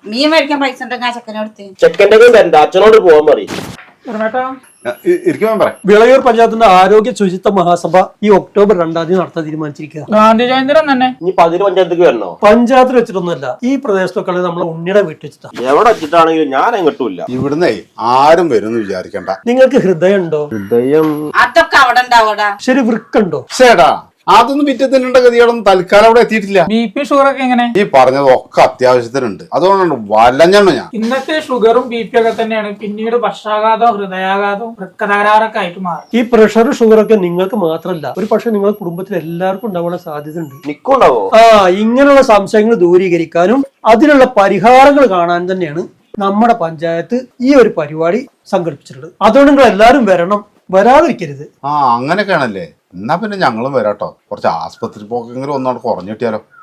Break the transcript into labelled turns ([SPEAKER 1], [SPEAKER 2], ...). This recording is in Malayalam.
[SPEAKER 1] മീൻ മേടിക്കാൻ പൈസ ഉണ്ടെങ്കിൽ ആ ചെക്കനോടുത്ത്
[SPEAKER 2] ചെക്കൻ്റെ അച്ഛനോട് പോകാൻ പറയും.
[SPEAKER 3] വിളയൂർ പഞ്ചായത്തിന്റെ ആരോഗ്യ ശുചിത്വ മഹാസഭ ഈ ഒക്ടോബർ 2 നടത്താൻ തീരുമാനിച്ചിരിക്കുക.
[SPEAKER 4] ഗാന്ധി ജയന്തി തന്നെ
[SPEAKER 2] ഇനി 10 പഞ്ചായത്തേക്ക് വരണോ?
[SPEAKER 3] പഞ്ചായത്തിൽ വെച്ചിട്ടൊന്നുമല്ല, ഈ പ്രദേശത്തൊക്കെ നമ്മളെ ഉണ്ണിയുടെ വീട്ടിൽ വെച്ചിട്ടാ.
[SPEAKER 2] എവിടെ വെച്ചിട്ടാണെങ്കിലും ഞാൻ എങ്ങോട്ടുമില്ല.
[SPEAKER 5] ഇവിടുന്നേ ആരും വരുമെന്ന് വിചാരിക്കണ്ട.
[SPEAKER 3] നിങ്ങൾക്ക് ഹൃദയം ഉണ്ടോ?
[SPEAKER 2] ഹൃദയം
[SPEAKER 1] അതൊക്കെ അവിടെ ഉണ്ടാവൂടാ.
[SPEAKER 3] ശരി, വൃക്കുണ്ടോ?
[SPEAKER 5] ചേട്ടാ അതൊന്നും വിറ്റത്തിനുണ്ട ഗതികളൊന്നും തൽക്കാലം അവിടെ എത്തിയിട്ടില്ല.
[SPEAKER 4] BP ഷുഗർ ഒക്കെ എങ്ങനെ?
[SPEAKER 5] ഈ പറഞ്ഞതൊക്കെ അത്യാവശ്യത്തിനുണ്ട്. അതുകൊണ്ടാണ് വലഞ്ഞാണ് ഞാൻ.
[SPEAKER 4] ഇന്നത്തെ ഷുഗറും BP ഒക്കെ തന്നെയാണ് പിന്നീട് പക്ഷാഘാതവും ഹൃദയാഘാതവും വൃക്കതകരാറൊക്കെ ആയിട്ട് മാറും.
[SPEAKER 3] ഈ പ്രഷർ ഷുഗർ ഒക്കെ നിങ്ങൾക്ക് മാത്രമല്ല, ഒരു പക്ഷെ നിങ്ങളുടെ കുടുംബത്തിൽ എല്ലാവർക്കും ഉണ്ടാവാനുള്ള സാധ്യത ഉണ്ട്.
[SPEAKER 2] നിക്കുണ്ടാവോ?
[SPEAKER 3] ഇങ്ങനെയുള്ള സംശയങ്ങൾ ദൂരീകരിക്കാനും അതിനുള്ള പരിഹാരങ്ങൾ കാണാൻ തന്നെയാണ് നമ്മുടെ പഞ്ചായത്ത് ഈ ഒരു പരിപാടി സംഘടിപ്പിച്ചിട്ടുള്ളത്. അതുകൊണ്ട് നിങ്ങൾ എല്ലാവരും വരണം, വരാതിരിക്കരുത്.
[SPEAKER 5] അങ്ങനെയൊക്കെയാണല്ലേ. എന്നാ പിന്നെ ഞങ്ങളും വരാട്ടോ. കുറച്ച് ആസ്പത്രി പോക്കെങ്കിലും ഒന്നോട് കുറഞ്ഞു കിട്ടിയാലോ.